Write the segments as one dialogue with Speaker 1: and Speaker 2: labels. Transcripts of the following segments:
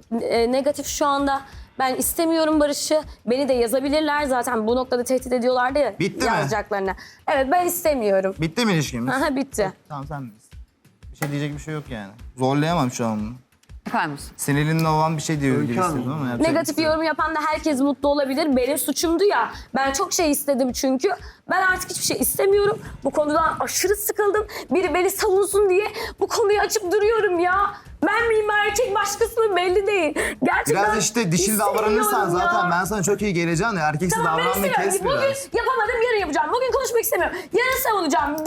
Speaker 1: negatif şu anda. Ben istemiyorum Barış'ı. Beni de yazabilirler zaten. Bu noktada tehdit ediyorlardı ya.
Speaker 2: Bitti mi?
Speaker 1: Yazacaklarına. Evet, ben istemiyorum.
Speaker 2: Bitti mi ilişkimiz?
Speaker 1: Aha, bitti.
Speaker 2: Tamam sen bilirsin. Bir şey diyecek bir şey yok yani. Zorlayamam şu an bunu.
Speaker 3: Efendim?
Speaker 2: Sinirlinle olan bir şey diyor gibi istedim ama yapacak
Speaker 1: Negatif
Speaker 2: bir şey yok.
Speaker 1: yorum yapan da herkes mutlu olabilir. Benim suçumdu ya. Ben çok şey istedim çünkü. Ben artık hiçbir şey istemiyorum. Bu konudan aşırı sıkıldım. Biri beni savunsun diye bu konuyu açıp duruyorum ya. Ben miyim erkek başkası mı belli değil. Gerçekten
Speaker 2: Biraz işte dişil davranırsan
Speaker 1: istemiyorum
Speaker 2: zaten
Speaker 1: ya.
Speaker 2: ben sana çok iyi geleceğim ya. Erkeksi
Speaker 1: Tamam, ben
Speaker 2: davranmayı
Speaker 1: istemiyorum.
Speaker 2: kes
Speaker 1: Bugün
Speaker 2: biraz.
Speaker 1: yapamadım, yarın yapacağım. Bugün konuşmak istemiyorum. Yarın savunacağım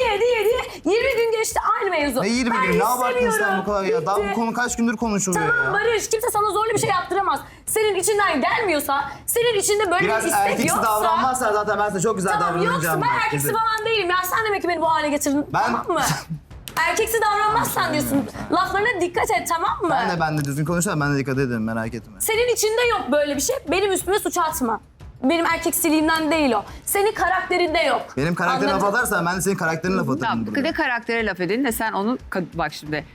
Speaker 1: diye. 20 gün geçti aynı mevzu.
Speaker 2: Ne 20
Speaker 1: Ben
Speaker 2: gün? Ne abarttın sen
Speaker 1: istemiyorum.
Speaker 2: bu kadar ya? Daha
Speaker 1: Bitti.
Speaker 2: bu konu kaç gündür konuşuluyor
Speaker 1: Tamam
Speaker 2: ya?
Speaker 1: Barış, kimse sana zorlu bir şey yaptıramaz. Senin içinden gelmiyorsa, senin içinde böyle
Speaker 2: Biraz
Speaker 1: bir istek
Speaker 2: erkeksi
Speaker 1: yoksa...
Speaker 2: davranmazsan zaten ben sana çok güzel
Speaker 1: Tamam,
Speaker 2: davranacağım.
Speaker 1: yoksa ben
Speaker 2: bak,
Speaker 1: erkeksi
Speaker 2: kesin.
Speaker 1: falan değilim ya. Sen demek ki beni bu hale getirdin,
Speaker 2: Ben-
Speaker 1: tamam mı? Erkeksi davranmazsan diyorsun. Laflarına dikkat et, tamam mı?
Speaker 2: Ben de düzgün konuşursam ben de dikkat ederim, merak etme.
Speaker 1: Senin içinde yok böyle bir şey. Benim üstüme suç atma. Benim erkeksiliğimden değil o. Senin karakterinde yok.
Speaker 2: Benim karakterine laf
Speaker 1: Anladın?
Speaker 2: atarsan ben de senin karakterine laf atarım.
Speaker 3: Tamam,
Speaker 2: burada.
Speaker 3: ne karaktere laf edin de sen onun... Bak şimdi,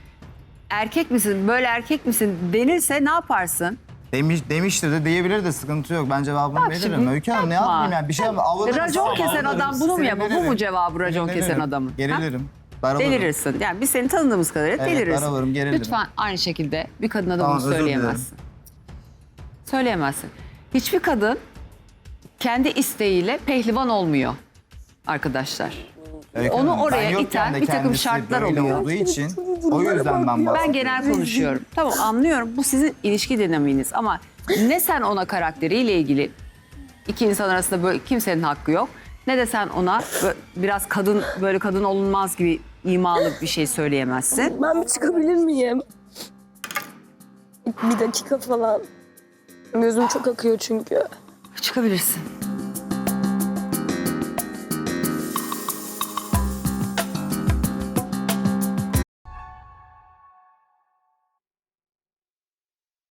Speaker 3: erkek misin, böyle erkek misin denirse ne yaparsın?
Speaker 2: Demiştir de diyebilir de sıkıntı yok. Ben cevabını
Speaker 3: Bak
Speaker 2: veririm.
Speaker 3: şimdi,
Speaker 2: Öykü Hanım ne
Speaker 3: yapma.
Speaker 2: yapayım yani? Bir şey avlanırım.
Speaker 3: Racon kesen adam bunu mu yapar? Bu mu cevabı racon kesen adamın? Ha?
Speaker 2: Gerilirim. Daralırım.
Speaker 3: Delirirsin. Yani biz seni tanıdığımız kadarıyla
Speaker 2: Evet,
Speaker 3: delirirsin.
Speaker 2: daralırım, gerilirim.
Speaker 3: Lütfen aynı şekilde bir kadına da
Speaker 2: Tamam,
Speaker 3: bunu
Speaker 2: özür
Speaker 3: söyleyemezsin. Söyleyemezsin. Hiçbir kadın kendi isteğiyle pehlivan olmuyor arkadaşlar.
Speaker 2: Öykü
Speaker 3: Onu
Speaker 2: Hanım,
Speaker 3: oraya
Speaker 2: ben yokken
Speaker 3: iten
Speaker 2: de
Speaker 3: bir takım
Speaker 2: kendisi
Speaker 3: şartlar
Speaker 2: böyle
Speaker 3: oluyor.
Speaker 2: olduğu için o yüzden ben bahsediyorum.
Speaker 3: Ben genel konuşuyorum. Tamam, anlıyorum. Bu sizin ilişki dinamiğiniz ama ne sen ona karakteriyle ilgili iki insan arasında böyle kimsenin hakkı yok. Ne de sen ona biraz kadın, böyle kadın olunmaz gibi imalı bir şey söyleyemezsin.
Speaker 1: Ben bir çıkabilir miyim? Bir dakika falan. Gözüm çok akıyor çünkü.
Speaker 3: Çıkabilirsin.